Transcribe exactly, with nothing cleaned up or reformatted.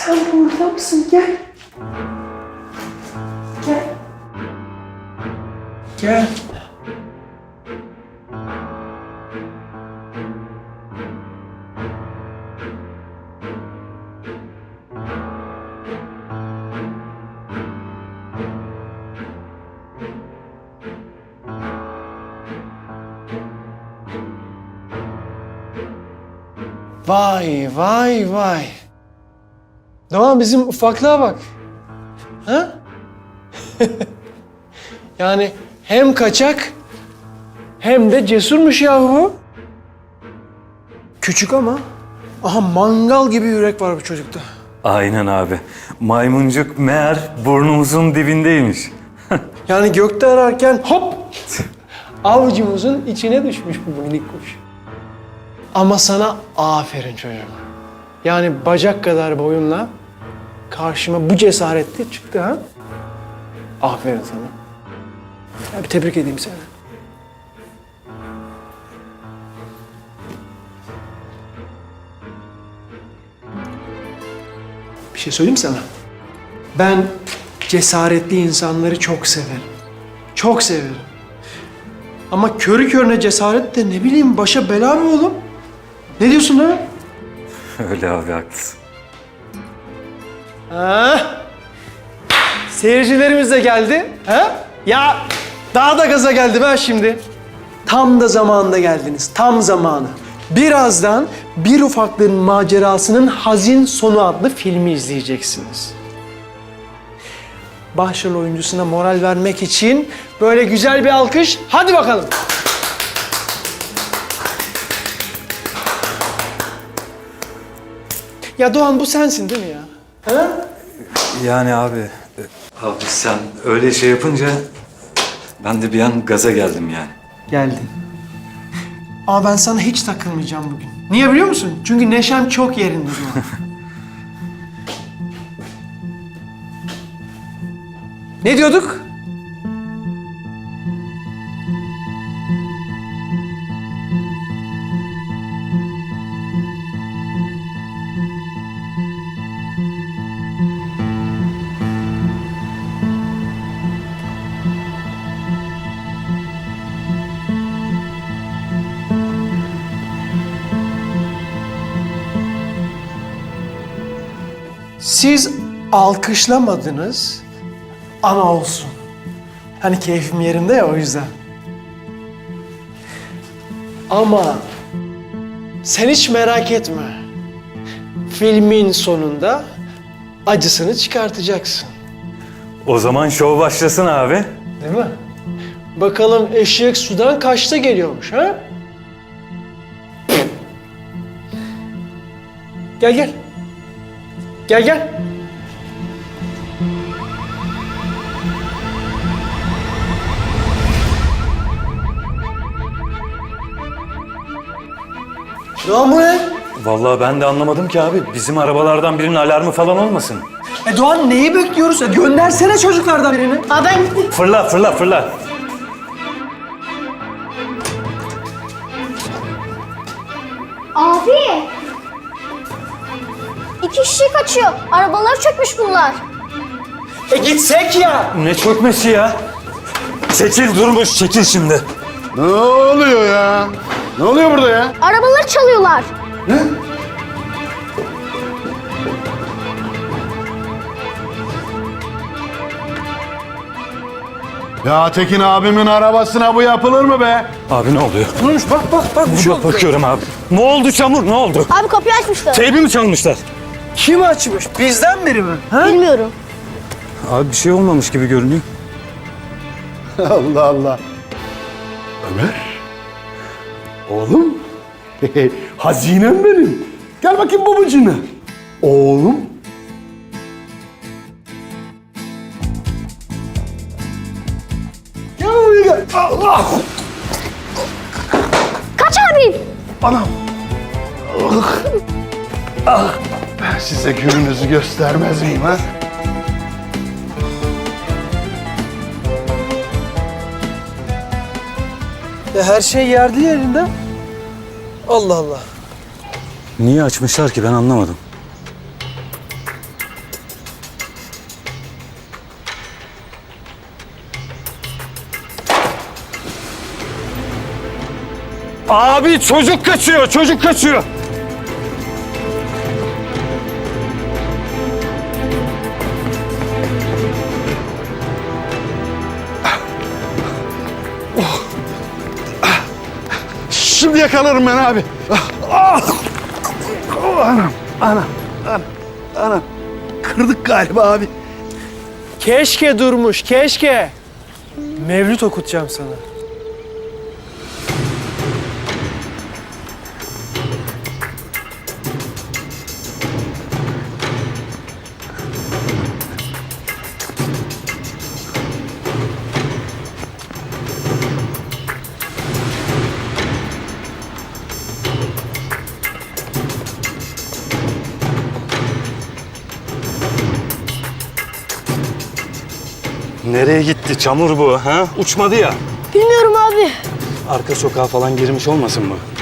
Sen burada mısın? Gel. Gel. Gel. Vay vay vay. Doğan bizim ufaklığa bak. Ha? Yani hem kaçak hem de cesurmuş yahu bu. Küçük ama aha mangal gibi yürek var bu çocukta. Aynen abi. Maymuncuk meğer burnumuzun dibindeymiş. Yani gökte ararken hop avucumuzun içine düşmüş bu minik kuş. Ama sana aferin çocuğum. Yani bacak kadar boyunla karşıma bu cesaretle çıktı ha. Aferin sana. Ya bir tebrik edeyim seni. Bir şey söyleyeyim mi sana? Ben cesaretli insanları çok severim. Çok severim. Ama körü körüne cesaret de ne bileyim başa bela mı oğlum? Ne diyorsun lan? Öyle abi, haklısın. Ha? Seyircilerimiz de geldi. Ha? Ya daha da gaza geldim ha şimdi. Tam da zamanında geldiniz. Tam zamanı. Birazdan Bir Ufaklığın Macerasının Hazin Sonu adlı filmi izleyeceksiniz. Başrol oyuncusuna moral vermek için böyle güzel bir alkış. Hadi bakalım. Ya Doğan bu sensin değil mi ya? Ha? Yani abi... Abi sen öyle şey yapınca ben de bir an gaza geldim yani. Geldin. Ama ben sana hiç takılmayacağım bugün. Niye biliyor musun? Çünkü neşem çok yerinde Doğan. Ne diyorduk? Siz alkışlamadınız ama olsun. Hani keyfim yerinde ya o yüzden. Ama sen hiç merak etme. Filmin sonunda acısını çıkartacaksın. O zaman şov başlasın abi. Değil mi? Bakalım eşek sudan kaçta geliyormuş ha? Gel gel. Gel gel. Doğan bu ne? Vallahi ben de anlamadım ki abi. Bizim arabalardan birinin alarmı falan olmasın. E Doğan neyi bekliyoruz ya? Göndersene çocuklardan birini. Aa ben gittim. Fırla, fırla, fırla. Abi. İki kişi kaçıyor. Arabaları çökmüş bunlar. E gitsek ya. Ne çökmesi ya? Çekil durmuş, çekil şimdi. Ne oluyor ya? Ne oluyor burada ya? Arabaları çalıyorlar. Ya Tekin abimin arabasına bu yapılır mı be? Abi ne oluyor? Durmuş bak bak bak. Bir şey oldu. Bakıyorum abi. Ne oldu Çamur, ne oldu? Abi kapıyı açmışlar. Teybi mi çalmışlar? Kim açmış? Bizden biri mi? Ha? Bilmiyorum. Abi bir şey olmamış gibi görünüyor. Allah Allah. Ömer. Oğlum. Hazinem benim. Gel bakayım babacığına. Oğlum. Gel buraya gel. Allah. Kaç abi. Anam. Ah. Ah. Ben size gününüzü göstermez miyim ha? Ya her şey yerli yerinde. Allah Allah. Niye açmışlar ki ben anlamadım. Abi çocuk kaçıyor, çocuk kaçıyor. Şimdi yakalarım ben abi. Ah! Anam, anam, anam, anam. Kırdık galiba abi. Keşke Durmuş, keşke. Mevlüt okutacağım sana. Nereye gitti? Çamur bu ha? Uçmadı ya. Bilmiyorum abi. Arka sokağa falan girmiş olmasın bu?